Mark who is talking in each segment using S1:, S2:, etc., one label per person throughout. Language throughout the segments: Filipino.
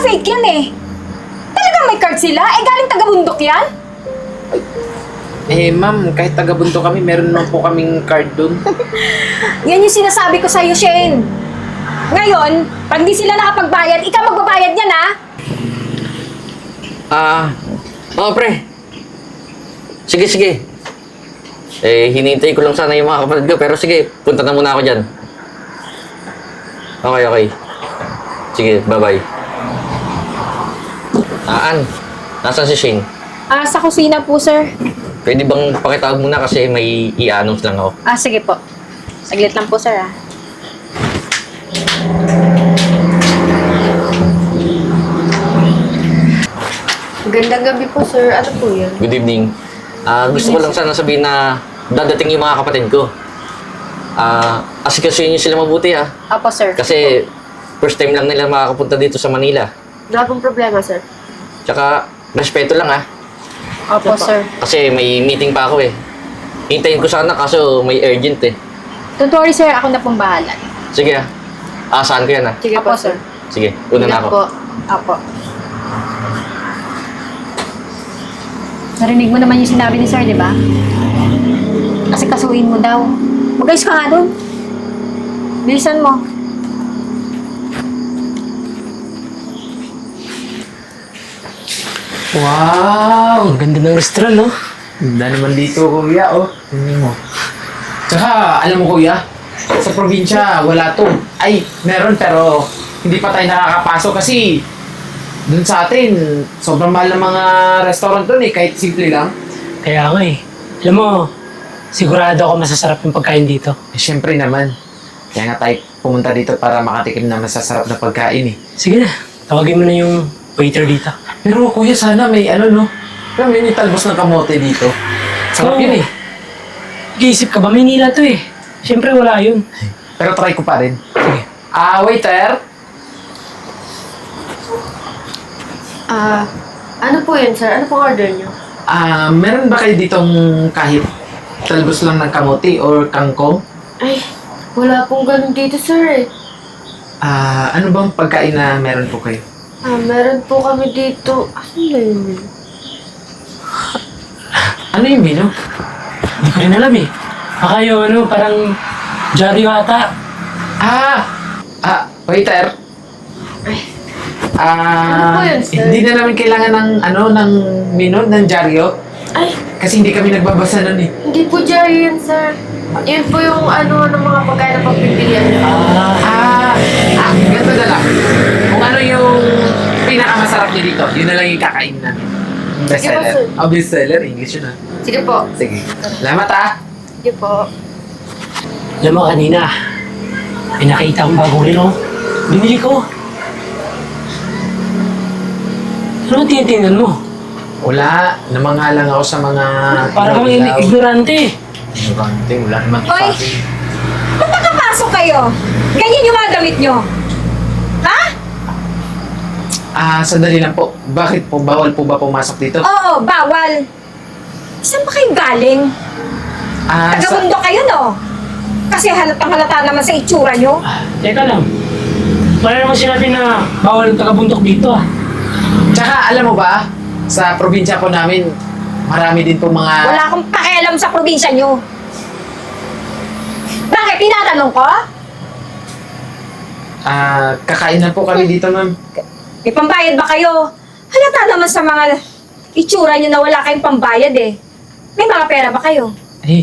S1: fake yan eh. Talagang may card sila? Eh, galing taga-bundok yan?
S2: Eh, ma'am, kahit taga-bunto kami, meron naman po kaming card dun.
S1: Yan yung sinasabi ko sa'yo, Shane. Ngayon, pag di sila nakapagbayad, ikaw magbabayad yan, ha?
S3: Oo, pre. Sige, sige. Eh, hinihintay ko lang sana yung mga kapatid ko, pero sige, punta na muna ako dyan. Okay, okay. Sige, bye-bye. Ann, nasaan si Shane?
S1: Sa kusina po, sir.
S3: Pwede bang pakitawag muna kasi may i-announce lang ako.
S1: Sige po. Saglit lang po, sir, ha? Gandang gabi po, sir. Ano po yun?
S3: Good evening. Gusto ko lang sana sabihin na dadating yung mga kapatid ko. Asikasuhin niyo sila mabuti, ha.
S1: Opo, sir.
S3: Kasi first time lang nila makakapunta dito sa Manila.
S4: Wala pong problema, sir.
S3: Tsaka, respeto lang, ha.
S1: Opo, sir.
S3: Kasi may meeting pa ako, eh. Hintayin ko sana kaso may urgent, eh.
S1: Don't worry, sir. Ako na pong bahala.
S3: Sige, ha. Asahan ko yan, ha.
S4: Sige
S1: Opo,
S4: po, sir.
S3: Sige, una na
S4: Ingat
S3: ako.
S4: po.
S1: Opo. Narinig mo naman yung sinabi ni sir, di ba? Kasi kasuhin mo daw. Mag-ayos ka nga doon. Bilisan mo.
S5: Wow! Ang ganda ng restaurant, no?
S2: Ganda naman dito, kuya, oh. Tingnan mo. Tsaka, alam mo, kuya, sa probinsya, wala to. Ay, meron, pero hindi pa tayo nakakapasok kasi dun sa atin, sobrang mahal ng mga restaurant dun eh, kahit simple lang.
S5: Kaya nga eh. Alam mo, sigurado ako masasarap yung pagkain dito.
S2: Eh, syempre naman. Kaya nga tayo pumunta dito para makatikim ng masasarap na pagkain eh.
S5: Sige na, tawagin mo na yung waiter dito.
S2: Pero kuya, sana may ano, no? Pero may talbos ng kamote dito. Sarap
S5: Oo.
S2: yun eh.
S5: Nag-iisip ka ba? Maynila to eh. Siyempre wala yun.
S2: Pero try ko pa rin.
S5: Sige.
S2: Waiter!
S4: Ano po yun, sir? Ano pong order niyo?
S2: Meron ba kayo ditong kahit talbos lang ng kamote or kangkong?
S4: Ay, wala pong ganun dito, sir eh.
S2: Ano bang pagkain na meron po kayo?
S4: Meron po kami dito. Ano na yun?
S2: Ano yung menu?
S5: Hindi ko rin alam eh. Baka yung ano, parang dyaryo ata.
S2: Waiter.
S4: Ano po yun, sir?
S2: Hindi na namin kailangan ng ng menu, ng dyaryo.
S4: Ay,
S2: Kasi hindi kami nagbabasa nun eh.
S4: hindi po dyan yan, sir. Yun po yung ano ng mga pagkain na pagpipilian niyo.
S2: Ganito na lang. Kung ano yung pinakamasarap niyo dito, yun na lang yung kakain namin.
S4: Sige po,
S2: Bestseller.
S4: sir.
S2: Bestseller. English yun
S4: Sige po.
S2: Sige. Salamat
S4: Sige po.
S5: Alam mo kanina, may nakita akong bagong relo. Binili ko. Ano tinitingnan mo?
S2: Wala. Namangalang ako sa mga...
S5: Para kang ignorante.
S2: Ignorante. Wala naman
S1: Hoy!
S2: sa akin.
S1: Ba't nakapasok kayo? Ganyan yung mga damit nyo. Ha?
S2: Sandali lang po. Bakit po? Bawal po ba pumasok dito?
S1: Oo, bawal. Saan ba kayo galing? Taga-bundok kayo, no? Kasi halatang halata naman sa itsura nyo.
S5: Teka lang. Wala naman sinabi na bawal ang taga-bundok dito ah.
S2: Tsaka alam mo ba, sa probinsya po namin, marami din po mga...
S1: Wala akong pakialam sa probinsya nyo. Bakit? Tinatanong ko?
S2: Kakain na po kami dito, ma'am.
S1: May pambayad ba kayo? Halata naman sa mga itsura nyo na wala kayong pambayad eh. May mga pera ba kayo?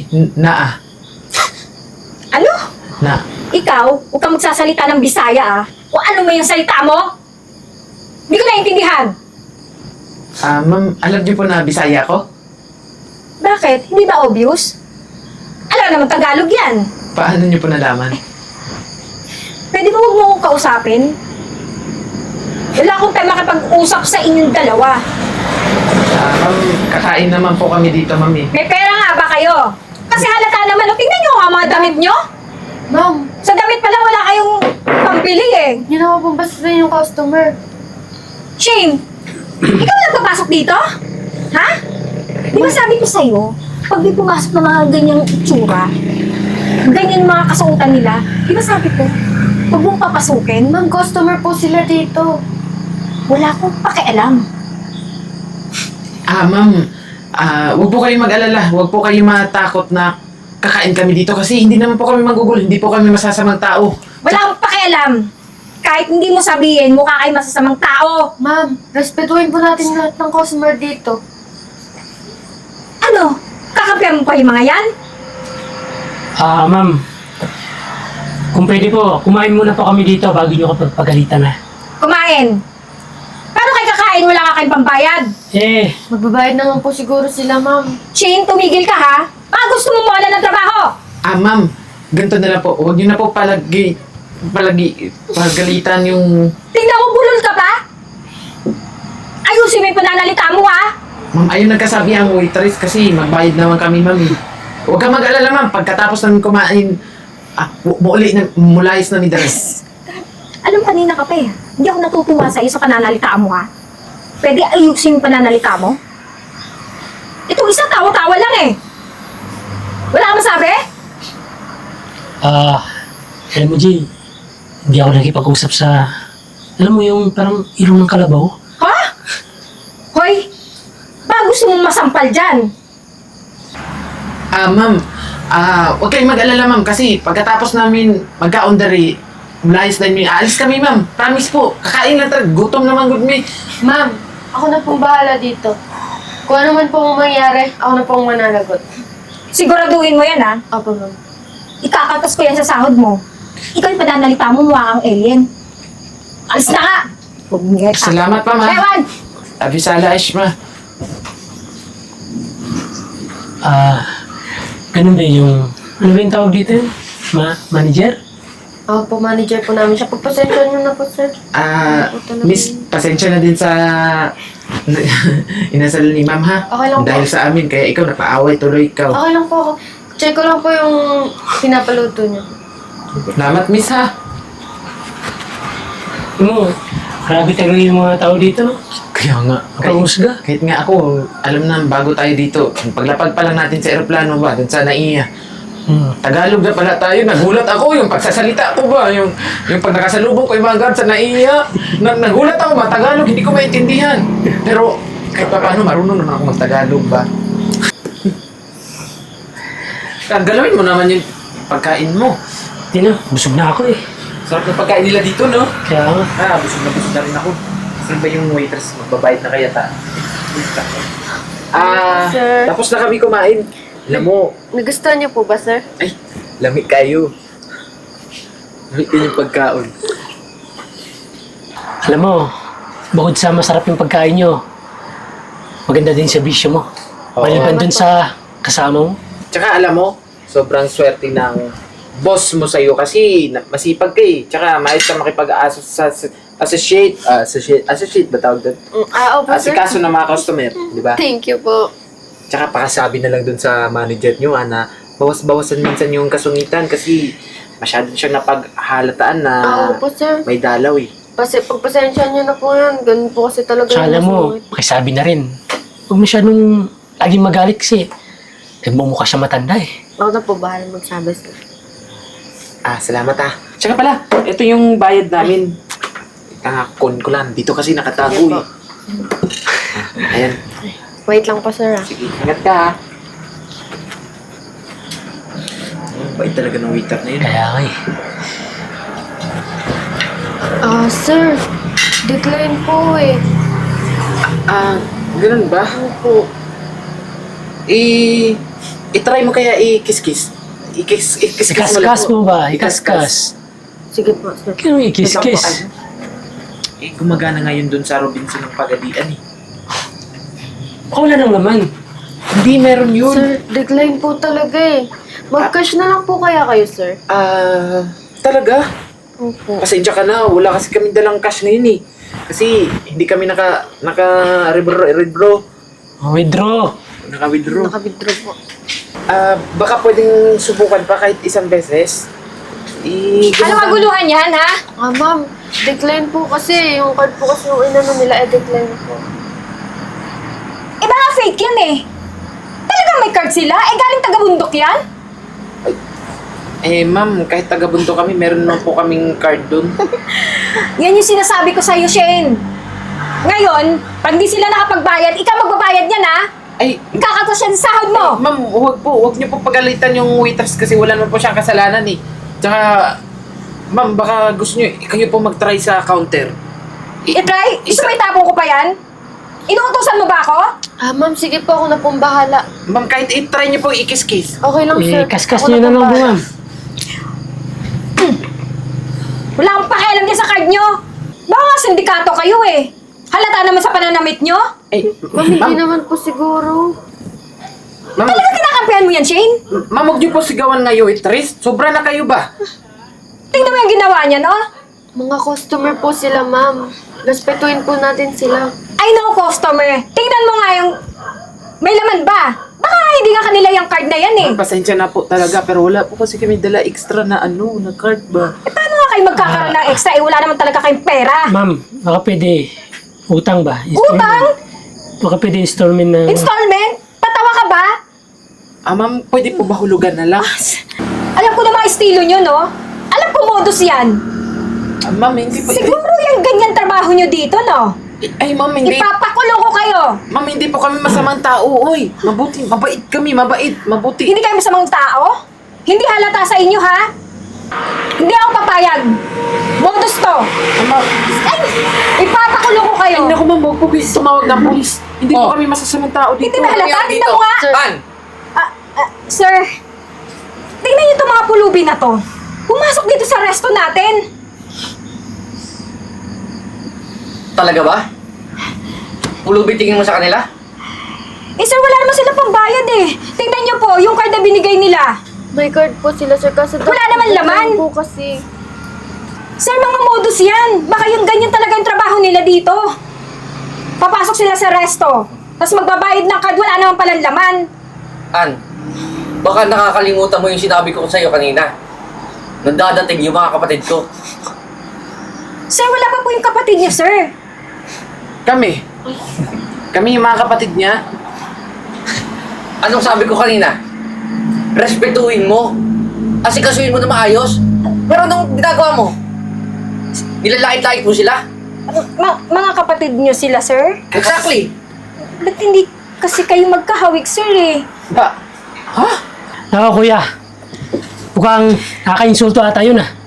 S1: Ano?
S2: Na.
S1: Ikaw, huwag kang magsasalita ng Bisaya ah. O ano mo yung salita mo? Hindi ko naiintindihan.
S2: Ma'am, alam niyo po na Bisaya ko?
S1: Bakit? Hindi ba obvious? Alam naman Tagalog yan.
S2: Paano niyo po nalaman?
S1: Pwede ba huwag mo akong kausapin? Wala akong time makipag-usap sa inyong dalawa.
S2: Ma'am, kakain naman po kami dito, ma'am eh.
S1: May pera nga ba kayo? Kasi halata naman, o tingnan nyo nga mga damit nyo.
S4: Ma'am,
S1: Sa damit pala wala kayong pambili eh.
S4: yun naman po basta yung customer.
S1: Shane, ikaw nagpapasok dito? Ha? Di ba sabi ko sa'yo, pag di pumasok ng mga ganyang itsura, ganyan mga kasuotan nila, di ba sabi ko, huwag mong papasukin?
S4: Ma'am, customer po sila dito.
S1: Wala akong pakialam.
S2: Ma'am, huwag po kayong mag-alala. Huwag po kayong matakot na kakain kami dito kasi hindi naman po kami magugulo. Hindi po kami masasamang tao.
S1: Wala akong pakialam. Kahit hindi mo sabihin, mukha kayo masasamang tao.
S4: Ma'am, respetuhin po natin lahat ng customer dito.
S1: Ano? Kakampihan mo pa yung mga yan?
S5: Ma'am. Kung pwede po, kumain muna po kami dito bago nyo kapag pagalitan na.
S1: Kumain. Paano kayo kakain? Wala ka kayong pambayad.
S5: Eh,
S4: Magbabayad naman po siguro sila, ma'am.
S1: Shane, tumigil ka ha? Baka gusto mo mawala ng trabaho.
S2: Ma'am, ganito na lang po. Huwag niyo na po pagalitan yung...
S1: Tingnan mo, bulol ka pa? Ayusin mo yung pananalita mo ha?
S2: Ma'am, ayun nagkasabi ang waitress kasi magbayad naman kami, ma'am. Huwag kang mag-alala, ma'am. Pagkatapos namin kumain, mulayas na ni Dres.
S1: Alam, kanina ka pa eh. Hindi ako natutuwa sa iyo sa pananalita mo ha? Pwede ayusin yung pananalita mo? Itong isa, tawa-tawa lang eh. Wala ka masabi?
S5: alam mo, Jay, hindi ako nakipag-usap sa... Alam mo yung parang ilong ng kalabaw?
S1: Ha? Hoy, baka gusto mong masampal dyan.
S2: Ma'am, huwag kayong mag-alala, ma'am, kasi pagkatapos namin magka-ondari, mulayas na yun. Aalis kami, ma'am. Promise po. Kakain lang talaga. Gutom naman, good me.
S4: Ma'am, ako na pong bahala dito. Kung ano man pong mangyari, ako na pong mananagot.
S1: Siguraduhin mo yan ha?
S4: Opo, ma'am.
S1: Ikakatas ko yan sa sahod mo. Ikaw yung pananalita mo, mukha kang alien. Alis na ka! Bumingit ka.
S2: Salamat pa, ma'am.
S1: Ewan!
S2: Abisala, Ishma.
S5: Ganun ba yung... Ano ba yung tawag dito? Manager?
S4: Opo, manager po namin siya. Pagpasensya niyo na po, sir.
S2: Miss, pasensya na din sa inasal ni ma'am, ha?
S4: Okay lang po.
S2: Dahil sa amin, kaya ikaw napaaway tuloy ikaw.
S4: Okay lang po ako. Check ko lang po yung pinapaluto niyo.
S2: Salamat, miss, ha?
S5: Ano? Grabe talaga yung mga tao dito, no?
S2: Kaya nga.
S5: Nakahusga.
S2: Kahit nga ako, alam na, bago tayo dito, paglapag pa lang natin sa aeroplano ba, dun sa NAIA, Tagalog na pala tayo, nagulat ako yung pagsasalita ko ba, yung pag nakasalubong ko yung mga guard sa NAIA, nagulat ako ba, Tagalog, hindi ko maintindihan. Pero kahit pa paano, marunong naman ako mag-Tagalog ba. Galawin mo naman yung pagkain mo.
S5: Tino, busog na ako eh.
S2: Sarap ng pagkain nila dito, no?
S5: Kaya nga.
S2: Busog na rin ako. Saan ba yung waitress? Magbabayad na kaya ta?
S4: Sir.
S2: Tapos na kami kumain. Alam mo,
S4: Nagustuhan niyo po ba, sir?
S2: ay, lamig kayo. Lamig din yung pagkaon.
S5: Alam mo, bukod sa masarap yung pagkain nyo, maganda din sa bisyo mo.
S2: Oo.
S5: Maliban dun sa kasama mo.
S2: Tsaka alam mo, sobrang swerte ng boss mo sa'yo kasi masipag ka eh. Tsaka maayos ka associate ba tawag doon?
S4: Opo, sir.
S2: Asikaso ng mga customer, di ba?
S4: Thank you po.
S2: Tsaka pakasabi na lang dun sa manager nyo na bawas-bawasan minsan yung kasungitan kasi masyado siyang napaghalataan na
S4: Opo, sir.
S2: may dalaw eh.
S4: Kasi pagpasensya niyo na po yan. Ganun po kasi talaga
S5: Tsaka alam mo,
S4: masungit.
S5: pakisabi na rin. Huwag masyadong laging magalit kasi nagmumukha siya matanda eh.
S4: Ako na po bahala magsabi, sir.
S2: Salamat Tsaka pala, ito yung bayad namin. Kon ko lang. Dito kasi nakatago
S4: Sige po.
S2: eh. Ayan.
S4: Wait lang po, sir.
S2: Sige, ingat ka ha. Bait talaga ng waiter na yun.
S5: Kaya nga eh.
S4: Sir. Decline po eh.
S2: Ganun ba?
S4: Ano po?
S2: I-try mo kaya i-kiss-kiss. I-kiss-kiss
S5: Ikaskas mo ba? Ikaskas.
S4: Sige po, sir.
S5: Kaya ikis-kiss.
S2: Gumagana ngayon dun sa Robinson ng Pagadian eh.
S5: Wala nang laman.
S2: Hindi, meron yun.
S4: Sir, decline po talaga eh. Mag-cash na lang po kaya kayo, sir.
S2: Talaga?
S4: Opo.
S2: Pasensya ka na, wala kasi kami dalang cash ngayon eh. Kasi hindi kami naka-withdraw.
S5: Withdraw.
S2: Naka-withdraw.
S4: Naka-withdraw po.
S2: Baka pwedeng subukan pa kahit isang beses.
S1: Ano kaguluhan yan ha?
S4: Ma'am, decline po kasi. Yung card po kasi yung inano nila, decline po.
S1: Baka fake yan eh. Talagang may card sila? Galing taga-bundok yan?
S2: Ma'am, kahit taga-Bunto kami, meron naman po kaming card dun.
S1: Yan yung sinasabi ko sa'yo, Shane. Ngayon, pag di sila nakapagbayad, ikaw magbabayad niyan ha?
S2: Ay,
S1: Kakatas yan sa sahod mo!
S2: ma'am, huwag niyo po pagalitan yung waiters kasi wala naman po siyang kasalanan eh. Tsaka, ma'am, baka gusto niyo, kayo po mag-try sa counter.
S1: I-try? Gusto mo itapon ko pa yan? Inuutosan mo ba ako?
S4: Ma'am, sige po, ako na pong bahala.
S2: Ma'am, kahit i-try niyo po i-kiss-kiss.
S4: Okay lang, sir.
S5: Kaskas
S4: Ako
S5: niyo na
S4: pong
S5: lang po,
S4: bahala.
S5: ma'am.
S1: Wala akong pakialam dyan sa card nyo. Baka nga sindikato kayo eh. Halata naman sa pananamit nyo.
S2: Ay,
S4: Ma'am, hindi naman po siguro.
S2: ma'am,
S1: Talaga kinakampihan mo yan, Shane?
S2: ma'am, huwag niyo po sigawan nga yung waitress. Sobra na kayo ba?
S1: Tingnan mo yung ginawa niya, no?
S4: Mga customer po sila, ma'am. Respetuhin po natin sila.
S1: I know, customer. Tingnan mo nga yung... May laman ba? Baka hindi nga kanila yung card na yan eh.
S2: Ma'am, pasensya na po talaga, pero wala po kasi kami dala extra na na card ba?
S1: Eh, paano nga kayo magkakaroon ng extra? Eh, wala naman talaga kayong pera.
S5: Ma'am, baka pwede utang ba?
S1: Utang?
S5: Baka pwede installment na...
S1: Installment? Tatawa ka ba?
S2: Ma'am, pwede po ba hulugan na lang?
S1: Alam ko na mga estilo nyo, no? Alam ko modus yan.
S2: Ma'am, hindi po...
S1: Siguro yung ganyan trabaho nyo dito, no?
S2: Ay, ma'am, hindi.
S1: Ipapakulong ko kayo.
S2: Ma'am, hindi po kami masamang tao, oy. Mabuti, mabait kami, mabuti.
S1: Hindi kayo masamang tao? Hindi halata sa inyo, ha? Hindi ako papayag. Modus to.
S2: Ma'am,
S1: Ay! Ipapakulong ko kayo.
S2: ay, naku, ma'am, huwag po kayo tumawag ng polis. Hindi po kami masasamang tao dito.
S1: Hindi ba halata? Tingnan mo nga.
S4: Sir.
S3: An!
S1: Sir, tingnan niyo itong mga pulubi na to. Pumasok dito sa resto natin.
S3: Talaga ba? Pulubi tingin mo sa kanila?
S1: Eh sir, wala naman sila pambayad eh. Tingnan niyo po, yung card na binigay nila.
S4: May card po sila, sir. Kasi
S1: Wala naman laman.
S4: po kasi.
S1: Sir, mga modus yan. Baka yung ganyan talaga yung trabaho nila dito. Papasok sila sa resto. Tapos magbabayad ng card, wala naman palang laman.
S3: An, baka nakakalimutan mo yung sinabi ko sa'yo kanina. Nandadating yung mga kapatid ko.
S1: Sir, wala pa po yung kapatid niyo, sir.
S2: Kami. Kami yung mga kapatid niya.
S3: Anong sabi ko kanina? Respetuhin mo. Asikasuhin mo na maayos. Pero anong ginagawa mo? Nilalait-lait mo sila?
S1: Mga kapatid niyo sila, sir?
S3: Exactly.
S1: Ba't hindi kasi kayo magkahawig, sir eh?
S2: Ba? Ha?
S5: Nako, kuya. Mukhang nakaka-insulto ata yun ah.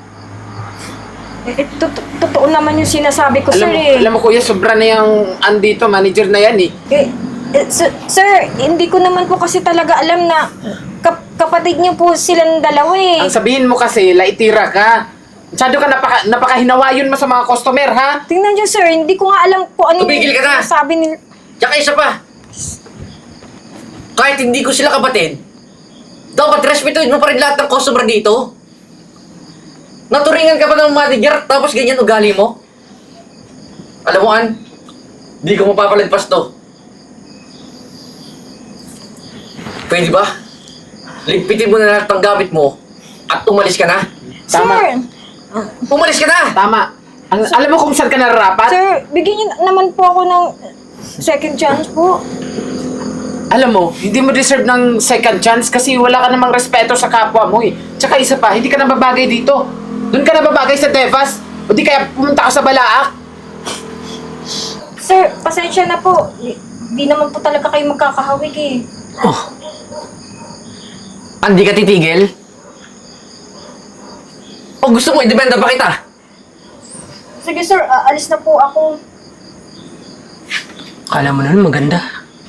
S1: Totoo naman yung sinasabi ko, sir eh.
S2: Alam mo, kuya, sobra na yung andito, manager na yan eh.
S1: Sir, hindi ko naman po kasi talaga alam na kapatid niyo po silang dalawa eh.
S2: Ang sabihin mo kasi, laitira ka. Masyado ka napakahinawayon mo sa mga customer, ha?
S1: Tingnan niyo, sir, hindi ko nga alam kung ano
S3: Tumigil ka na!
S1: sabi nila.
S3: Tsaka isa pa. Kahit hindi ko sila kapatid, dapat respetuhin mo pa rin lahat ng customer dito. Naturingan ka pa ng manager, tapos ganyan ugali mo. Alam mo, An, di ko mapapalagpas to. Pwede ba? Ligpitin mo na lahat ng gamit mo at umalis ka na.
S2: Tama.
S1: Sir,
S3: Umalis ka na!
S2: Tama. Alam mo kung saan ka nararapat?
S1: sir, bigyan niyo naman po ako ng second chance po.
S2: Alam mo, hindi mo deserve ng second chance kasi wala ka namang respeto sa kapwa mo eh. Tsaka isa pa, hindi ka nababagay dito. Doon ka nababagay sa Devas. O di kaya pumunta ka sa Balaak.
S1: Sir, pasensya na po. Di naman po talaga kayo magkakahawig eh.
S5: Oh,
S3: Hindi ka titigil? O gusto mo, idependa pa kita?
S1: Sige sir, alis na po ako.
S5: kala mo naman maganda.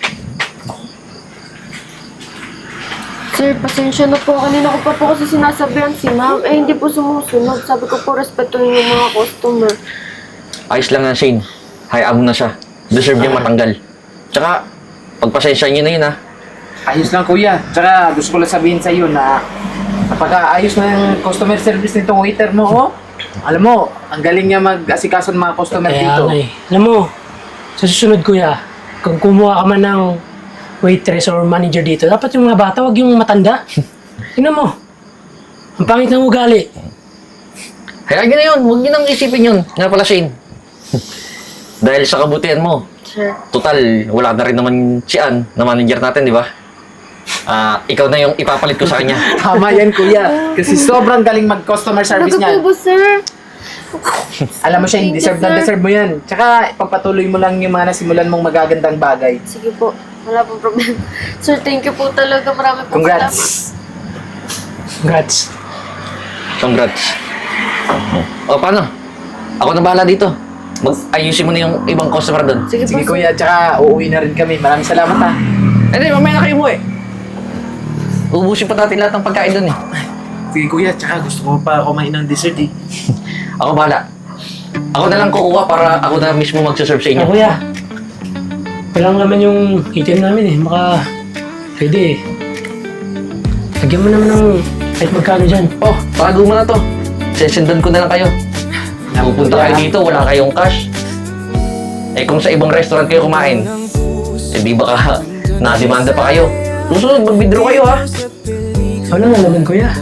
S4: Sir, pasensya na po. Kanina ko pa po kasi sinasabihan si ma'am. Eh, hindi po sumusunod. Sabi ko po, respetuhin yung mga customer.
S3: Ayos lang yan, Shane. Hayaan mo na siya. Deserve niya matanggal. Tsaka, pagpasensya niyo na yun, ha?
S2: Ayos lang kuya. Tsaka gusto ko lang sabihin sa iyo na napaka-ayos na yung customer service nitong waiter mo, oh. Alam mo, ang galing niya mag-asikaso ng mga customer
S5: Kaya
S2: dito.
S5: nga eh. Alam mo, sa susunod kuya, kung kumuha ka man ng waitress or manager dito, dapat yung mga bata, wag yung matanda. Tingnan mo, ang pangit ng ugali.
S3: Hayaan niyo na yun. Huwag niyo nang isipin yun. Nga pala, Shane. Dahil sa kabutihan mo,
S4: Sir.
S3: total, wala na rin naman si Ann na manager natin, di ba? Ikaw na yung ipapalit ko sa kanya.
S2: Tama yan kuya. Kasi sobrang galing mag-customer service
S4: Talaga
S2: niya.
S4: po ba, sir?
S2: Alam mo siya,
S4: Thank you,
S2: deserve na
S4: sir.
S2: deserve mo yan. Tsaka, pagpatuloy mo lang yung mga nasimulan mong magagandang bagay.
S4: Sige po. Wala pong problema. Sir, thank you po talaga. Marami po salamat.
S2: Congrats!
S5: Congrats.
S3: Congrats. O, paano? Ako na bahala dito. Ayusin mo na yung ibang customer doon.
S4: Sige,
S2: Sige
S4: po, sir.
S2: kuya, tsaka uuwi na rin kami. Maraming salamat ha.
S3: Hindi, mamaya na kayo mo eh. Ubusin pa natin lahat ng pagkain doon eh.
S2: Sige kuya, tsaka gusto ko pa kumain ng dessert eh.
S3: Ako bahala. Ako na lang kukuha para ako na mismo magsaserve sa inyo.
S5: Kuya. Walang naman yung item namin eh. Baka pwede eh. Lagyan mo naman ng kahit magkano dyan.
S3: Oh, tago mo na to. Sesendan ko na lang kayo. Pupunta kayo dito, wala kayong cash. Eh kung sa ibang restaurant kayo kumain, eh di baka nademanda pa kayo. Susunod, mag-withdraw kayo ha.
S5: Wala na naman kuya.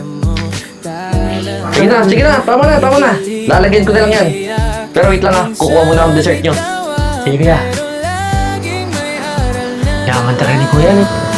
S3: Sige na, tama na. Lalagyan ko na lang yan. Pero wait lang ha, kukuha muna ang dessert nyo.
S5: Sige kuya. Yaman talaga ni kuya no.